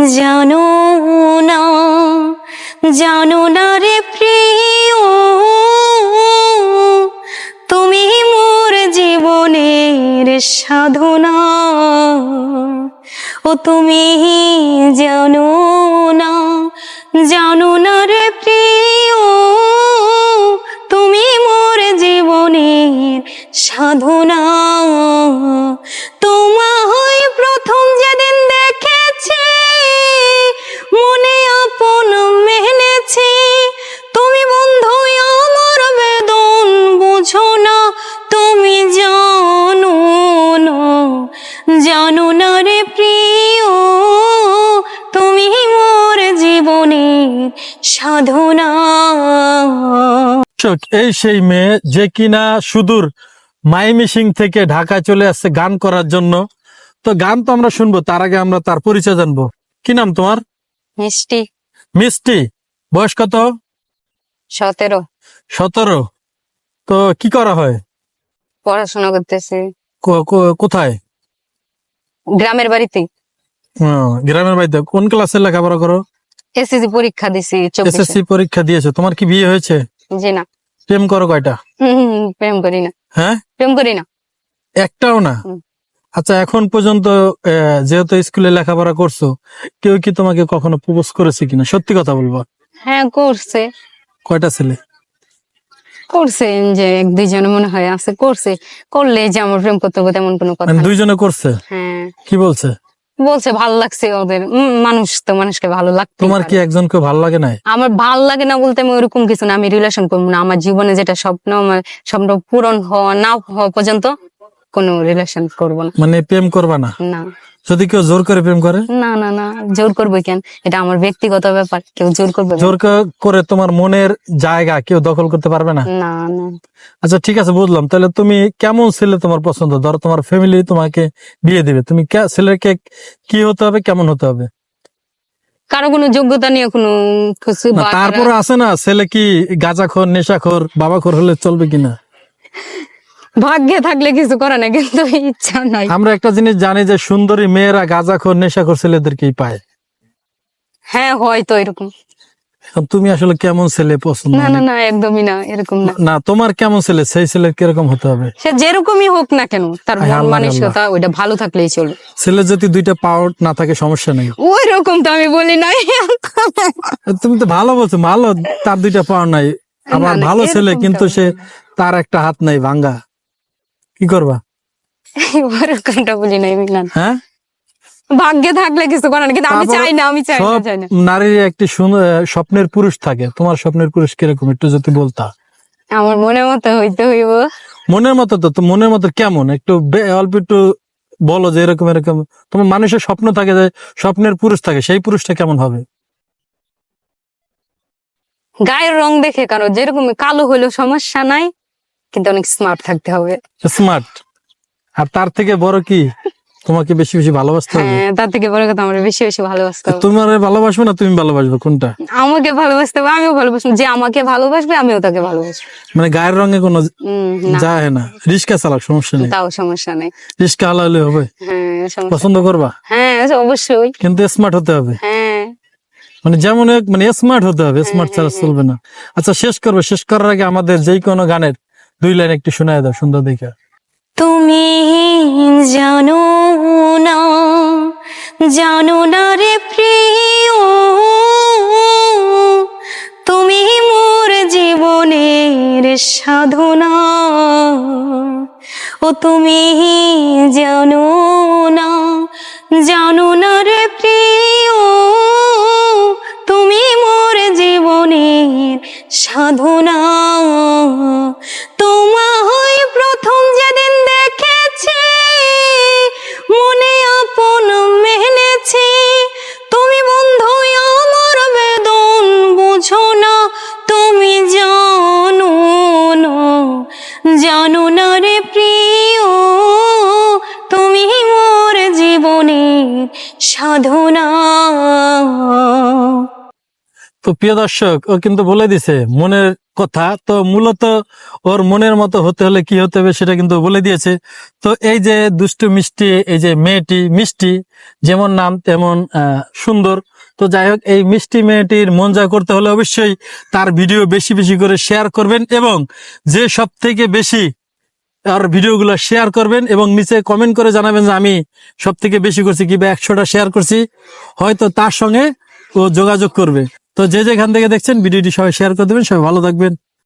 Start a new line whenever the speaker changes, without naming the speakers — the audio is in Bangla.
জানো না, জানো না রে প্রিয়, তুমি মোর জীবনের সাধনা। ও তুমি জানো না, জানো না রে প্রিয়, তুমি মোর জীবনের সাধনা। তোমায় প্রথম যেদিন দেখেছি, মনে আপন মেনেছি, তুমি বন্ধু আমার বেদন বুঝো না, তুমি জানো না, জানো না রে প্রিয়, তুমি মোর জীবনের সাধনা।
এই সেই মেয়ে যে কিনা সুদূর মাইমিসিং থেকে ঢাকায় চলে আসছে গান করার জন্য। তো গান তো আমরা শুনবো, তার আগে আমরা তার পরিচয় জানবো। কি নাম তোমার?
মিষ্টি।
মিষ্টি। বয়স কত?
17।
17। তো কি করা হয়?
পড়াশোনা করতেছি
কোথায়?
গ্রামের বাড়িতে।
গ্রামের বাড়িতে। কোন ক্লাসে লেখাপড়া করো?
এসএসসি পরীক্ষা দিছি।
এসএসসি পরীক্ষা দিয়েছো। তোমার কি বিয়ে হয়েছে?
জি না।
প্রেম করো কয়টা?
প্রেম করি না।
হ্যাঁ,
প্রেম করি না,
একটাও না। আচ্ছা, এখন পর্যন্ত যেহেতু স্কুলে লেখাপড়া করছো, কেউ কি তোমাকে কখনো প্রপোজ করেছে কিনা? সত্যি কথা বলবা।
হ্যাঁ করছে।
কয়টা ছেলে?
করছে যে 1-2 জন মনে হয় আছে, করছে। করলে যে আমার প্রেম করতে হবে তেমন কোনো কথা
মানে
না।
2 জনে করছে?
হ্যাঁ।
কি বলছে?
বলছে ভালো লাগছে ওদের। মানুষ তো মানুষকে ভালো লাগতে
তোমার কি একজনকে ভালো লাগে নাই?
আমার ভালো লাগে না বলতে আমি ওরকম কিছু না, আমি রিলেশন করবো না। আমার জীবনে যেটা স্বপ্ন, আমার স্বপ্ন পূরণ হওয়া না হওয়া পর্যন্ত কোনো রিলেশন করবো না।
মানে প্রেম করবা না?
না
যদি কেউ জোর করে প্রেম করে?
না না না, জোর করবো কেন? এটা আমার ব্যক্তিগত ব্যাপার, কেউ জোর করবে না।
জোর করে তোমার মনের জায়গা কেউ দখল করতে পারবে না?
না না।
আচ্ছা ঠিক আছে, বুঝলাম। তাহলে তুমি কেমন ছেলে তোমার পছন্দ? ধরো তোমার ফ্যামিলি তোমাকে বিয়ে দিবে, তুমি ছেলেকে কি হতে হবে, কেমন হতে হবে?
কারো কোনো যোগ্যতা নিয়ে কোনো কিছু
না, তারপরে আছে না, ছেলে কি গাঁজাখোর, নেশাখোর, বাবাখোর হলে চলবে কিনা?
ভাগ্যে থাকলে কিছু করে না, কিন্তু ইচ্ছা নাই।
আমরা একটা জিনিস জানি যে সুন্দরী মেয়েরা গাঁজাখোর, নেশাখোর ছেলেদেরকেই পায়।
হ্যাঁ হয়তো এরকম।
এখন তুমি আসলে কেমন ছেলে পছন্দ?
না না না, একদমই না, এরকম না।
না, তোমার কেমন ছেলে, সেই ছেলে কিরকম হতে হবে?
সে যেরকমই হোক না কেন, তার মন মানসিকতা ওইটা ভালো থাকলেই চলবে।
ছেলে যদি 2টা পাও না থাকে সমস্যা নেই।
ওই রকম তো আমি বলি নাই।
তুমি তো ভালো বলছো, ভালো তার 2টা পাও নাই, আবার
না,
ভালো ছেলে
এরকম
কিন্তু
তো
সে তার একটা হাত নাই ভাঙ্গা, কি করবা?
ওরকমটা বলি নাই মিলান।
হ্যাঁ,
ভাগ্যে থাকলে কিছু করে না, কিন্তু আমি
তারপর
চাই না, আমি চাই না,
সব
চাই না।
নারীর একটি স্বপ্নের পুরুষ থাকে। তোমার স্বপ্নের পুরুষ কিরকম একটু যদি বলতা?
আমার মনের মতো হইতে হইব।
মনের মতো? তো মনের মতো কেমন একটু অল্প একটু বলো, যে এরকম এরকম তোমার মানুষের স্বপ্ন থাকে, যে স্বপ্নের পুরুষ থাকে, সেই পুরুষটা কেমন হবে?
গায়ের রং দেখে, কারো যেরকম কালো হইলেও সমস্যা নাই, কিন্তু অনেক স্মার্ট থাকতে হবে।
স্মার্ট। আর তার থেকে বড় কি, তোমাকে বেশি বেশি ভালোবাসতে হবে?
হ্যাঁ, তার থেকে বড় কথা আমার বেশি বেশি ভালোবাসতে হবে।
তোমার ভালোবাসবে না তুমি ভালোবাসবে, কোনটা?
আমাকে ভালোবাসতে হবে, আমিও ভালোবাসবো। যে আমাকে ভালোবাসবে আমিও তাকে ভালোবাসবো।
মানে গায়ের রঙে কোনো
না,
যায় না? রিস্কা চালাক, সমস্যা নেই।
তাও সমস্যা নেই।
রিস্কা হালালে হবে?
হ্যাঁ সমস্যা।
পছন্দ করবা?
হ্যাঁ অবশ্যই।
কিন্তু স্মার্ট হতে হবে।
হ্যাঁ
মানে যেমন মানে স্মার্ট হতে হবে, স্মার্ট ছাড়া চলবে না। আচ্ছা, শেষ করবো। শেষ করার আগে আমাদের যেই কোনো গানের 2 লাইন একটু শোনায় দাও, সুন্দর দেখে।
তুমি জানো না, জানো না রে প্রিয়, তুমি মোর জীবনের সাধনা। ও তুমি জানো না, জানো না রে প্রিয়, তুমি মোর জীবনের সাধনা। তোমায় প্রথম যেদিন দেখেছি, মনে আপন মেনেছি, তুমি বন্ধু আমার বেদন বুঝো না, তুমি জানো না, জানো না রে প্রিয়, তুমি মোর জীবনের সাধনা।
তো প্রিয় দর্শক, ও কিন্তু বলে দিছে মনের কথা। তো মূলত ওর মনের মতো হতে হলে কি হতে হবে সেটা কিন্তু বলে দিয়েছে। তো এই যে দুষ্টু মিষ্টি, এই যে মেয়েটি মিষ্টি, যেমন নাম তেমন সুন্দর। তো যাই হোক, এই মিষ্টি মেয়েটির মন জয় করতে হলে অবশ্যই তার ভিডিও বেশি বেশি করে শেয়ার করবেন, এবং যে সব থেকে বেশি আর ভিডিওগুলো শেয়ার করবেন এবং নিচে কমেন্ট করে জানাবেন যে আমি সব থেকে বেশি করছি কিংবা 100টা শেয়ার করছি, হয়তো তার সঙ্গে ও যোগাযোগ করবে। তো যে যেখান থেকে দেখছেন ভিডিওটি সবাই শেয়ার করে দেবেন। সবাই ভালো থাকবেন।